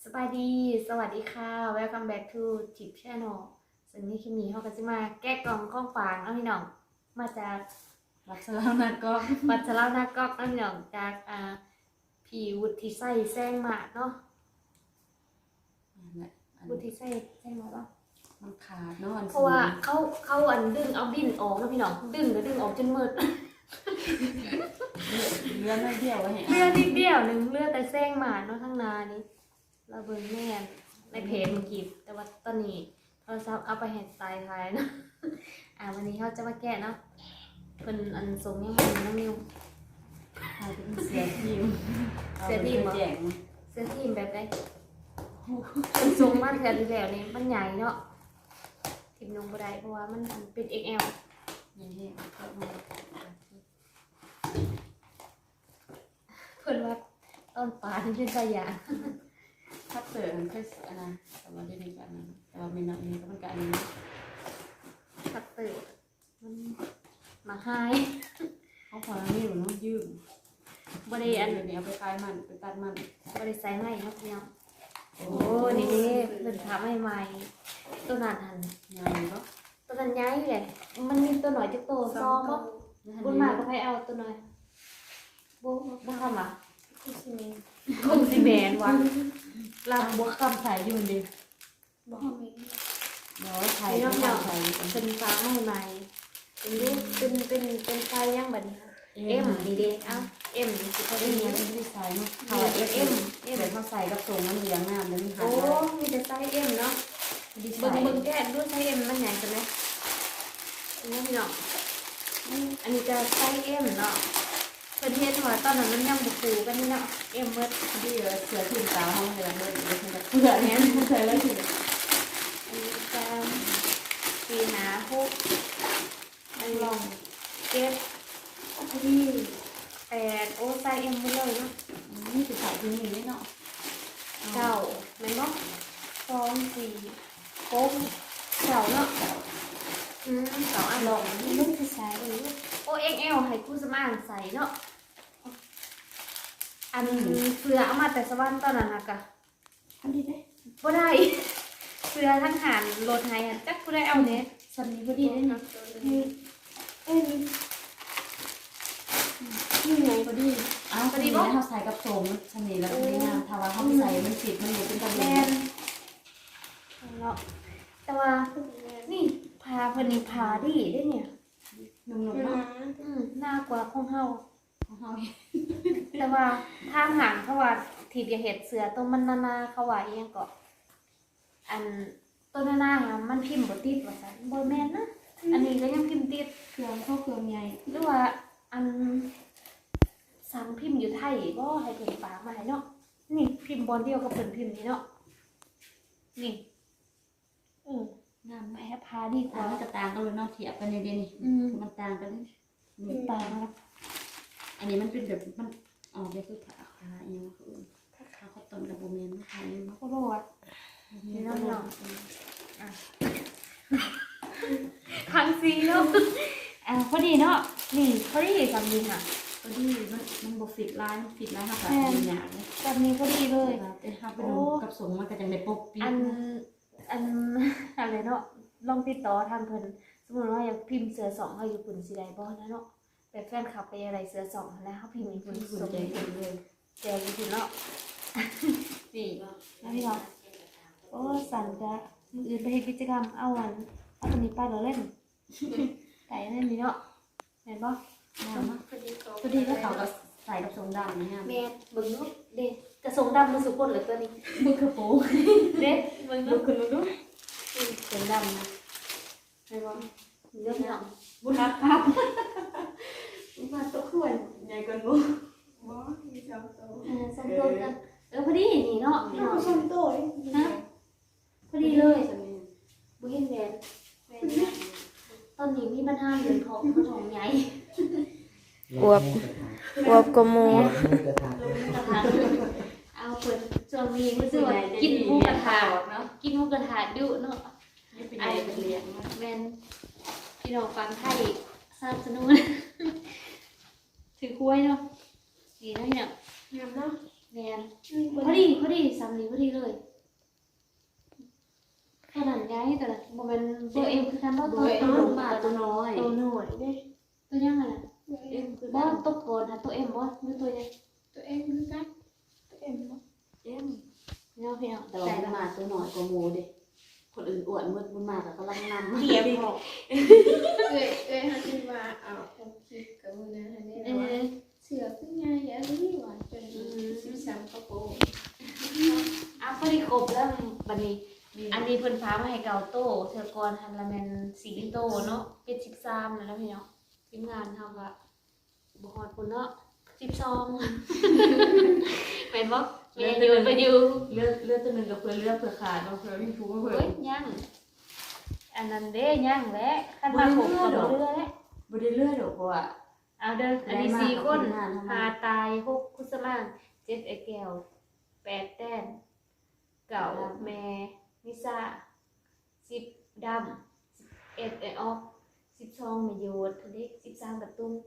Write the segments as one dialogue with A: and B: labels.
A: สบายดีสวัสดีค่ะ Welcome back to Tip Channel ซึ่งในคลิปนี้เขาก็จะมาแก้กล่องข้องฝางเอาพี่น้องมาจาก
B: วัดสลาวนาก็
A: วัดสะเล่าหน้ากอกเอาพี่น้องจากพี่วุฒิไส้แซงมาเนาะวุฒิไส้แซงมาเนาะ
B: มันขาดเนาะ
A: เพราะว่าเขาอันดึงเอาดินออกนะพี่น้องดึงก็ดึงออกจนมืด
B: เลือดไม่เดียวไว้
A: เลือดนิดเดียวหนึ่งเลือดแต่แซงมาเนาะข้างนานี้เราเบิ่งแม่ในเพจเมื่อกี้แต่ว่าตอนนี้โทรศัพท์เอาไปเห็นตายท้ายนะวันนี้เขาจะมาแกะเนาะเป็นอันทรงยังไงน้องนิว
B: ถ่ายเป็นเสือทีม
A: เสื้อทีมเหรอ
B: แจง
A: เสื้อทีมแบบไหนเป็นทรงมาแทนที่แล้วนี่มันใหญ่เนาะทีมลงบ่ได้เพราะว่ามันเป็น XL
B: อย่างนี้ก็มา
A: เพิ่นว่าต้นปลาที่เป็นสายา
B: ถ้าเสือมันก็อันนั้นแต่ว่าได้ดีกว่านั้นแต่ว่าไม่นานนี้ก็มันกลายเป็น
A: คัตเตอร์มันมาให้
B: เขาพอแล้วนี่มันต้องยืม
A: บ่ได้อัน
B: นี้เอาไปคลายมันไปตัดมัน
A: บ่ได้ใส่ไม้เนาะพี่น้องโอ้นี่เพิ่นทำให้ใหม่ตัวนั้นหัน
B: ใหญ่ก็
A: ตัวนั้นย้ายอยู่เลยมันมีตัวหน่อยจักโตซ้อมบ่บุญมาก็ให้เอาตัวหน่อยบ่ทำอ่ะคงสิแม่นว่ะลำบ่คำใส่อยู่ดิบ่มี
B: เดี๋ยวไทย
A: น้
B: ต้
A: อ
B: อง ง
A: ๆ
B: ใช้
A: เป็นฟ้าใหม่ๆเป็นรูปเป็นไฟยังบัดนี้เอ็มนี่เด้เอ้าเอ็มนี่สิเขา
B: เอ็
A: ได้
B: ม
A: เรีย
B: เนี่
A: น
B: ยไม่ได้ใช้เนาะเขาเอ็มเดี๋ยวเขาใส่กับทรงมันเลี้ยงน้ำแล้วมันหา
A: โอ้
B: ย
A: มีแต่ไซส์เอ็มเนาะ
B: ดีไซ
A: เบิ่ง
B: น์
A: แก้ดูไซส์เอ็มมันใหญ่จังไหมนี่พี่น้องอันนี้จะไซส์เอ็มเนาะเพิ่นเฮ็ดว่าตอนนั้นมันยังบ่ฟูกันนี่เนาะเอ็มเบิด
B: ที่เสือถิ่นตาห้องเดือนเลยเสือเนี้ยเสือแล้วถิ่น
A: อันนี้จะ4 5 6อันนี้ลอง7ที่8โอ้ไซส์เอ็มหมดเลยเนาะ
B: นี่คือสายที่นี่เนาะ
A: เก้าแม่นบ่2 4 6เก้าเนาะเก้าอันลองนี่มันสิใส่โอ้ XL ให้คู่สมานใส่เนาะอันเสื้อเอามาแต่สวรรค์ตอนนั้นน่ะกะ
B: อันนี้ได้
A: บ่ได้เสื้อทั้งหารรถให้จักผู้ใดเอาเนี่ย
B: สันนี้พอดีได้เนาะ
A: นี่ไง
B: พอดีอ้าวพอดีเขาใส่กับโสมชันนี้แล้วนี่นะถ้าว่าเขาใส่มันติดมันอยู่เป็นตะเลียน
A: เนาะแต่ว่านี่พาเพิ่นนี่พาดีได้เนี่ย
B: นุ่มๆเนาะ
A: น่ากว่าของเฮา
B: ของเขา
A: แต่ว่าทางหางเขาว่าทีบอย่าเห็ดเสือตัวมันนาเขาว่าอีหยังก็อันตัวนามันพิมพ์บ่ติดว่าซั่นบ่แม่นนะอันนี้ก็ยังพิมพ์ติด
B: เครื่องเข้าเครื่องใหญ่
A: หรือว่าอันสั่งพิมพ์อยู่ไทยบ่ให้เพิ่นฝากมาให้เนาะนี่พิมพ์บอลเดียวกับเพิ่นพิมพ์นี่เนาะนี่งามแม่พาดีก
B: แต่
A: ว่า
B: มันกระต่างกันเลยเนาะเทียบกันในเดือนนี้มันต่างกันนี่
A: ตานะ
B: อันนี้มันเป็นแบบมันออกไปคือขาอย่างเงี้ยคือขาเขาต้มกับโบเมนขาเนี่ยเนาะ
A: โคโรดนี่เนาะคันซีเนาะพอดีเนาะนี่พอดีสำลีค่ะ
B: พอดีมันบฟิตไลน์ฟิตไลน์ค่ะแบบนี้เลย
A: แบบนี้พอดีเลย
B: แต่ถ้าไปดูกับสงมันก็จะในปกปี
A: อันอะไรเนาะลองติดต่อทางเพิ่นสมมติว่าอยากพิมพ์เสือสองให้อยู่ปุ่นสิได้บ่นะเนาะแบบแฟนคลับไปอะไรเสือสองแล้วเขาพิมพ์มีปุ่น
B: คุณ
A: ส่ง
B: ใจคุณเลย
A: แจกอยู่ปุ่นเนาะนี่แล้วพี่เนาะโอ้สั่นจะมืออื่นไปเฮ็ดกิจกรรมเอาตัวนี้ไปเราเล่นไก่เล่นนี่เนาะแม่นบ่
B: พอดีแล้วเขาก็ใส่กับทรงดำนี่ฮะ
A: แม่เบิ่งเนาะเด้กระทรงดำมันสุกคนเหลือตัวนี้
B: มือกระโปง
A: เด้เบิ่ง
B: ดู
A: เนาะ
B: คุณดู
A: เสียงดำนะแม่นบ่เรื่องเนาะ
B: บุญรักครับ
A: มาตัวควร
B: ใหญ่กว่าหนู
A: สมตัวกันพอดีนี่เนาะพี่น้อง
C: ชมโต้ย
A: ฮะพอดีเลยบุเห็นแหวนตอนนี้มีปัญหาเรื่องท้องใหญ่
C: อวบกโม
A: กระทะเอาเปิดช่วงนี้รู้สึกว่ากินหมูกระทะเนาะกินหมูกระทะดุเนาะ
B: นี่เป็นใหญ่เป็นเลี้ยง
A: แม่นพี่น้องฟังไทยสนับสนุนถือคุ้ยเนาะดีนะเนี่ย
C: งามเนาะ
A: แม่นพอดีสำลีพอดีเลยตัวนั้นย้ายตัวนั้นบ่แม่นเบอร์เอ็มคือกันบ่
B: เบ
A: ตัว
B: อร์
A: ตัว
B: ลงมาตัวน้อย
D: ตัวหน่วยเด้
A: ตัวยังไงล่ะ
B: เอ็มคือ
A: บ่ตัวโกนหาตัวเอ็มบ่หรือตัวยัง
D: ตัวเองคือกันตัวเองบ่
B: เอ็ม
A: เนาะพี่น้อง
B: แต่ว่าบุญมาตัวน้อยกว่าหมูเด้คนอื่นอ้วนมืดบุญมาก็กำลังนำ
A: เทียบบ่
D: ฮันนี่ว่าเอาผมคิดกับมือนะฮันนี่
A: เอ
D: ว่า
A: อ
D: เสือขึ้นง่ายอย่างนี้ว่าจน13กระโปรง
A: อ่ะพอดีครบแล้วบัดนี้ อันนี้เพิ่นพามาให้เกาโตเทื่อก่อนหันละแม่น4โตเนาะเป็น13แล้วนะพี่น้องทีมงานเฮาก็บ่ฮอดพุ่นเนาะ12แม่นบ่แม่อยู่ไปอยู่
B: เลือดตัวหนึงกับเพื่อเลือดเพื่อขาดเนาะเพื่อวิ่งฟูเพื่อ
A: เฮ้ยยังอันนั้นเด้ยังแหละคันมาครบก็บ่เรือแล้ว
B: บ่ได้เลือดดอกเพราะว่า
A: เอาเด้ออันนี้4คน5ตาย6คุสมาน7ไอ้แก้ว8แต้มเก่าแม่นิสา10ดำ11ไอ้ออก12แม่โยดอันนี้13กระตุ้ง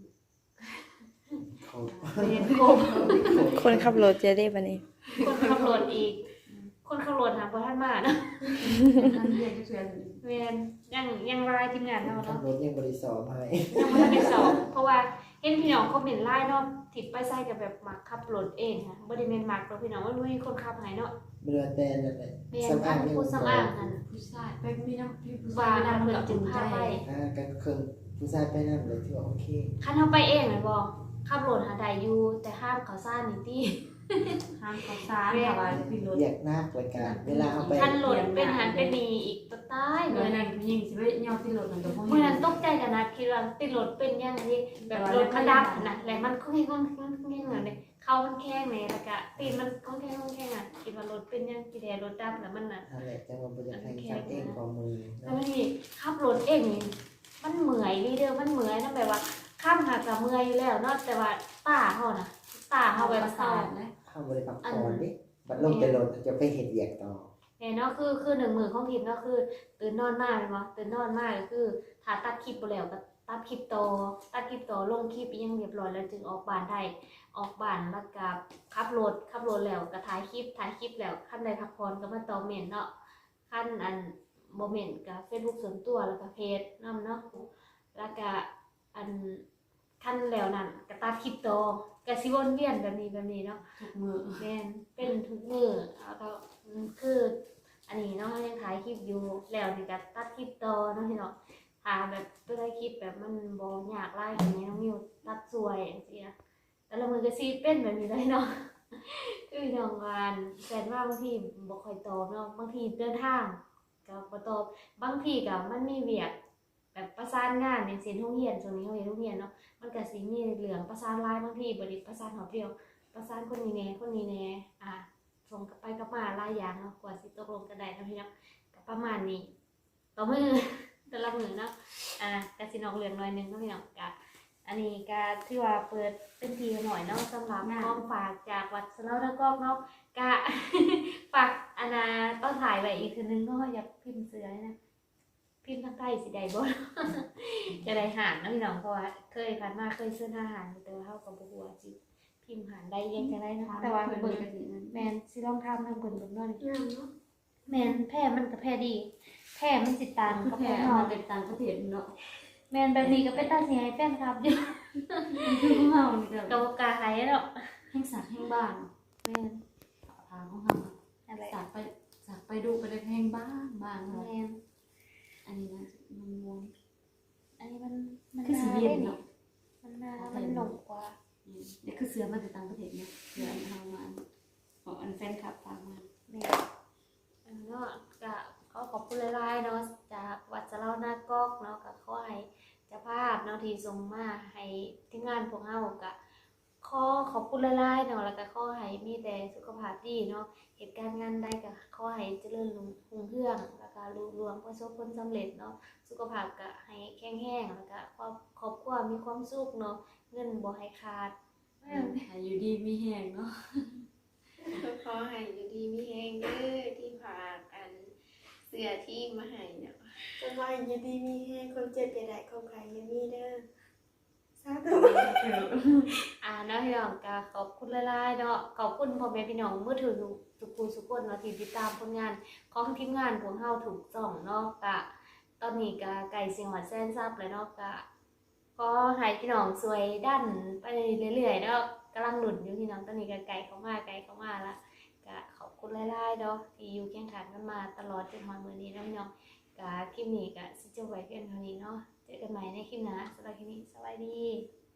E: เขา
A: เป็นครบ
C: คนขับรถจะได้บัดนี้
A: คนขับรถอีก คนขับรถหาบ่ทันมาเนาะ
B: ท่านเรียนเชิญ
A: แม่นยังรายทีมงานเฮา
E: ขับ
A: เนาะ
E: รถยังบริสอบให้
A: ยังบ่ทันได้สอบเพราะว่าเห็นพี่น้องคอมเมนต์ไลน์เนาะทิดไปใส่กับแบบมักขับรถเองค่ะบ่ได้แม่นมักเนาะพี่น้องมันบ่มีคนขับให้เนาะ
E: เรือแต่นั่นแหละ
A: แม่น
E: สำ
A: คั
E: อาง
A: น
E: ยัง
A: ผู้สำอางนั่น
B: ผู้ชายไปมีน้ำพี่ผู้
A: ว่า
B: ชาย
A: นำ
B: นำ
A: เพิ่น
B: กับ
A: จึ
B: จุ
A: ง
B: ง
A: พา
B: ใจ
A: ไป
E: กันเครื่องผู้ชายไปนั่นเลยที่ว่าโอเค
A: คันเฮาไปเองแม่นบ่ขับรถหาได้อยู่แต่ห้ามเข้าซ่านนี่ติ
B: ห้ามเขาซ่านค่ะว่าพี่รถ
E: เรียกหน้ารายการเวลาเอาไป
A: คันรถเป็นหันเป็นนี่อีกตะตายเล
B: เมื่อย นั้นยิงสิไปย่อที่รถนั่นก็บ่
A: เมื่อนั้นตกใจกันนะคิดว่าติดรถเป็นยังไงแบบรถมันดับนะแล้วมันก็แห้งเหมือนเนี่ยเขามันแข้งเลยแล้วก็ตีนมันก็แข้งอ่ะคิดว่ารถเป็นยังกี่แดรถดับแล้วมันน่ะ
E: นั่นแหละจังหวะบริษัทแข่งขันเองของมือ
A: แล้วนี่ขับรถเองนี่มันเหมื่อยดีเด้อมันเหมื่อยนั่นแปลว่าข้ามหากับเมื่อยอยู่แล้วเนาะแต่ว่าตาเขาน่ะตาเขาแบบเศร้า
B: นะ
E: เข้าบริษัทก่อนดิบัดลงไปรถจะไปเห็นเหยียกต่อ
A: เนี่ยเนาะคือหนึ่งมือของทีมเนาะคือตื่นนอนมากเลยมั้ตื่นนอนมากก็คือถ้าตัดคลิปไปแล้วก็ตัดคลิปต่อลงคลิปยังเรียบร้อยแล้วจึงออกบ้านได้ออกบ้านแล้วก็ขับรถแล้วก็ถ่ายคลิปแล้วขั้นใดพักผ่อนก็มาต่อเมนเนาะขั้นอันโมเมนต์กับ Facebook ส่วนตัวแล้วก็เพจนำเนาะแล้วก็อันขั้นแล้วนั่นก็ตัดคลิปต่อก็สิวนเวียนแบบนี้เนาะ
B: ทุกมือ
A: แม่นเป็นทุกมือแล้วก็คืออันนี้เนาะยังถ่ายคลิปอยู่แล้วนี่ก็ตัดคลิปต่อเนาะพี่เนาะถ่ายแบบตัวได้คลิปแบบมันบ่ยากหลายอย่างเงี้ยน้องมิวตัดสวยจังซี่นะแต่ละมือก็สิเป็นแบบนี้เลยเนาะ คือน้องงานแฟนว่าบางทีบ่ค่อยตอบเนาะบางทีเดินทางก็บ่ตอบบางทีก็มันมีเวียกแบบประสานงานอย่างเช่นโรงเรียนช่วงนี้โรงเรียนเนาะมันก็สิมีเรื่องประสานหลายบางทีบ่ได้ประสานหอบเดียว ประสานคนนี้แน่ส่งกลับไปกลับมาหลายอย่างเนาะกว่าสิตกลงกันได้นะพี่เนาะก็ประมาณนี้ต่อมือ แต่ละมือเนาะกสินอกเรื่องหน่อยหนึงเนาะพี่เนาะกะอันนี้ก็ถือว่าเปิดเป็นทีหน่อยเนาะสำหรับกองฝากจากวัดสะเลาตะกอกเนาะกะ ฝากต้องถ่ายไว้อีกทีนึงเนาะอยากพิมพ์เสือนะพิมพ์ทางใต้สิได้บ่ จะได้หารเนาะพี่น้องเพราะว่าเคยผ่านมาเคยซื้ออาหารแต่ว่าเฮาก็บ่ฮู้ว่าสิพิมพ์หารได้ยังจะได้เนาะแต่ว่าเบิ่งแม่นสิลองทำทางเพิ่นเบิ่งเนาะ
D: งามเนาะ
A: แม่นแพร่มันก็แพร่ดี แพร่มันสิตาง
B: คือ
A: กับ
B: แพ้
A: แพร่
B: มา
A: เฮา
B: เป็นต่างประเทศเนาะ
A: แม่นแบบนี้ก็เป็นตาสิให้แฟนคลับอยู่
B: คือของเฮานี่ก็
A: ก็บ่กล้าให้เนาะ
B: แห่งสักแห่งบ้าน
A: แม่น
B: ทางของเฮา
A: นั่นแหละ
B: สักไปดูไปได้แพงบ้างเนาะ
A: แม่น
B: อันนี้นะมันวง
A: อันนี้มัน
B: คือสีเย็นเนาะ
A: มันหนกกว่า
B: นี่คือเสือมาจากต่างประเทศเนาะเสืออันเฮามาของอันแฟนคลับฝากมา
A: แม่นเนาะก็ขอบคุณหลายๆเนาะจากวัดสะเลาหน้ากอกเนาะก็ขอให้เจ้าภาพเนาะที่ส่งมาให้ทีมงานพวกเฮาก็ขอบคุณหลายๆเนาะแล้วก็ขอให้มีแต่สุขภาพดีเนาะเหตุการณ์งานใดก็ขอให้เจริญรุ่งเรืองแล้วก็รุ่งเรืองประสบผลสำเร็จเนาะสุขภาพก็ให้แข็งแรงแล้วก็ครอบครัวมีความสุขเนาะเงินบ่ให้ขาด
B: อยู่ดีมีแหงเนาะ
D: ขอให้อยู่ดีมีแฮงเด้อที่ฝากอันเสื้อที่มาให้เนาะ
F: สบายอยู่ดีมีแห้งคนเจ็บอย่าได้คนไข้อย่ามีเด้อส
D: าธุ
A: เนาะพี่น้องก็ขอบคุณหลายๆเนาะขอบคุณพ่อแม่พี่น้องมือถือทุกคนทุกคนเนาะที่ติดตามผลงานของทีมงานของเฮาถูกส่องเนาะกะตอนนี้ก็ไก่เสียงหวานแสนซับเลยเนาะกะก็ให้พี่น้องสวยดันไปเรื่อยๆเนาะกำลังหนุนอยู่พี่น้องตอนนี้ก็ไก่เข้ามาละก็ขอบคุณหลายๆเนาะที่อยู่เคียงข้างกันมาตลอดจนถึงมื้อนี้เนาะพี่น้องก็คลิปนี้ก็สิจบไว้เพียงเท่านี้เนาะเจอกันใหม่ในคลิปหน้าสำหรับคลิปนี้สวัสดี